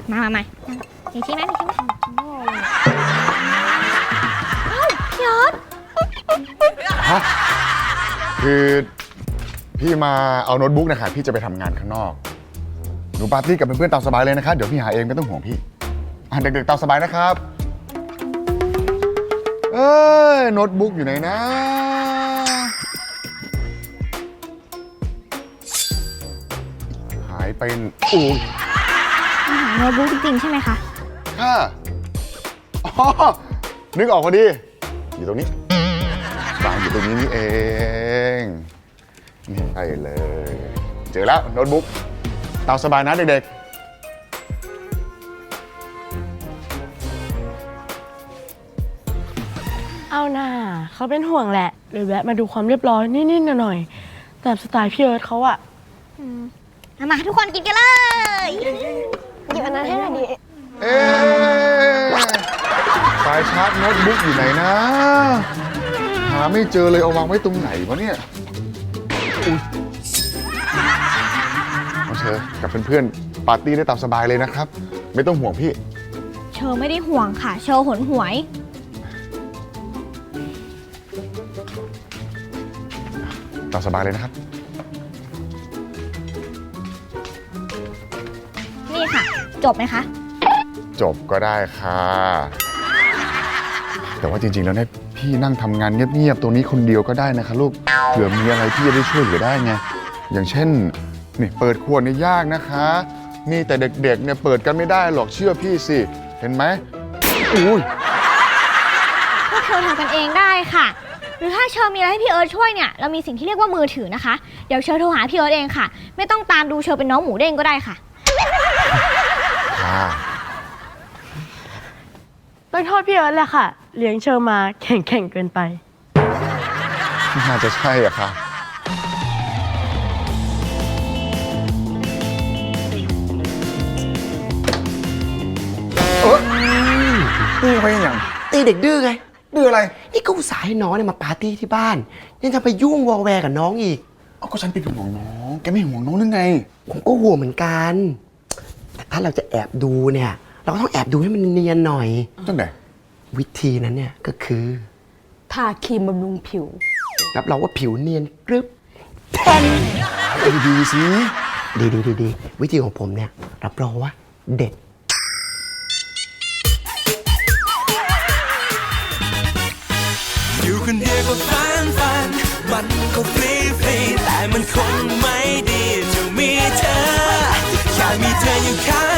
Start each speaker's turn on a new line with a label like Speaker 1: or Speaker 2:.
Speaker 1: มามีที่ไหมเฮ้ยพี่ยอด
Speaker 2: ฮะคือพี่มาเอาโน้ตบุ๊กนะคะพี่จะไปทำงานข้างนอกหนูปาร์ตี้กับเพื่อนๆตามสบายเลยนะครับเดี๋ยวพี่หาเองไม่ต้องห่วงพี่เด็กๆตามสบายนะครับโน้ตบุ๊กอยู่ไหนนะหายไปอู้
Speaker 1: หาโน้ตบุ๊กจริงๆใช่ไหมคะ
Speaker 2: ค่ะอ๋อนึกออกพอดีอยู่ตรงนี้วางอยู่ตรงนี้นี่เองนี่ใช่เลยเจอแล้วโน้ตบุ๊กตามสบายนะเด็กๆ
Speaker 3: เอาหน่าเขาเป็นห่วงแหละเลยแวะมาดูความเรียบร้อยนิดๆหน่อยๆแต่สไตล์พี่เอิร์ธเขาอะ
Speaker 1: มาทุกคนกินกันเลย
Speaker 3: หยิบอันนั้นให้หน่อยดิ
Speaker 2: สายชาร์จโน้ตบุ๊กอยู่ไหนนะหาไม่เจอเลยเอาวางไว้ตรงไหนวะเนี่ยน้องเชอกับเพื่อนๆปาร์ตี้ได้ตามสบายเลยนะครับไม่ต้องห่วงพี่
Speaker 1: เชอไม่ได้ห่วงค่ะเชอหนหวย
Speaker 2: ตามสบายเลยนะครับ
Speaker 1: นี่ค่ะจบไหมคะ
Speaker 2: จบก็ได้ค่ะแต่ว่าจริงๆแล้วเนี่ยพี่นั่งทำงานเงียบๆตรงนี้คนเดียวก็ได้นะคะลูกเผื่อมีอะไรพี่จะได้ช่วยเหลือได้ไงอย่างเช่นนี่เปิดขวดนี่ยากนะคะมีแต่เด็กๆเนี่ยเปิดกันไม่ได้หรอกเชื่อพี่สิเห็นไหมอุ้ย
Speaker 1: พวกเธอทำกันเองได้ค่ะหรือถ้าเชอมีอะไรให้พี่เอิร์ธช่วยเนี่ยเรามีสิ่งที่เรียกว่ามือถือนะคะเดี๋ยวเชอโทรหาพี่เอิร์ธเองค่ะไม่ต้องตามดูเชอเป็นน้องหมูเด้งก็ได้ค่ะ
Speaker 3: ต้องโทษพี่เอิร์ธแหละค่ะเลี้ยงเชอมาแข่งเกินไป
Speaker 2: น่าจะใช่อะค่ะตีไปอย่าง
Speaker 4: ตีเด็กดื้อไง
Speaker 2: ดื้ออะไร
Speaker 4: นี่ก็อุตส่าห์ให้น้องเนี่ยมาปาร์ตี้ที่บ้านยังจะไปยุ่งวอลแวร์กับน้องอีก
Speaker 2: ก็ฉันเป็นห่วงน้องแกไม่ห่วงน้องหรือไง
Speaker 4: ผมก็ห่วงเหมือนกันแต่ถ้าเราจะแอบดูเนี่ยเราก็ต้องแอบดูให้มันเนียนหน่อย
Speaker 2: จังไหน
Speaker 4: วิธีนั้นเนี่ยก็คือ
Speaker 3: ทาครีมบำรุงผิว
Speaker 4: รับรองว่าผิวเนียนกรึบแทน
Speaker 2: ดีสิ
Speaker 4: ดีวิธีของผมเนี่ยรับรองว่าเด็ด
Speaker 5: อยู่คนเดียวก็ฟันมันก็ฟรีแต่มันคงไม่ดีจะมีเธอแค่มีเธออยู่ข้าง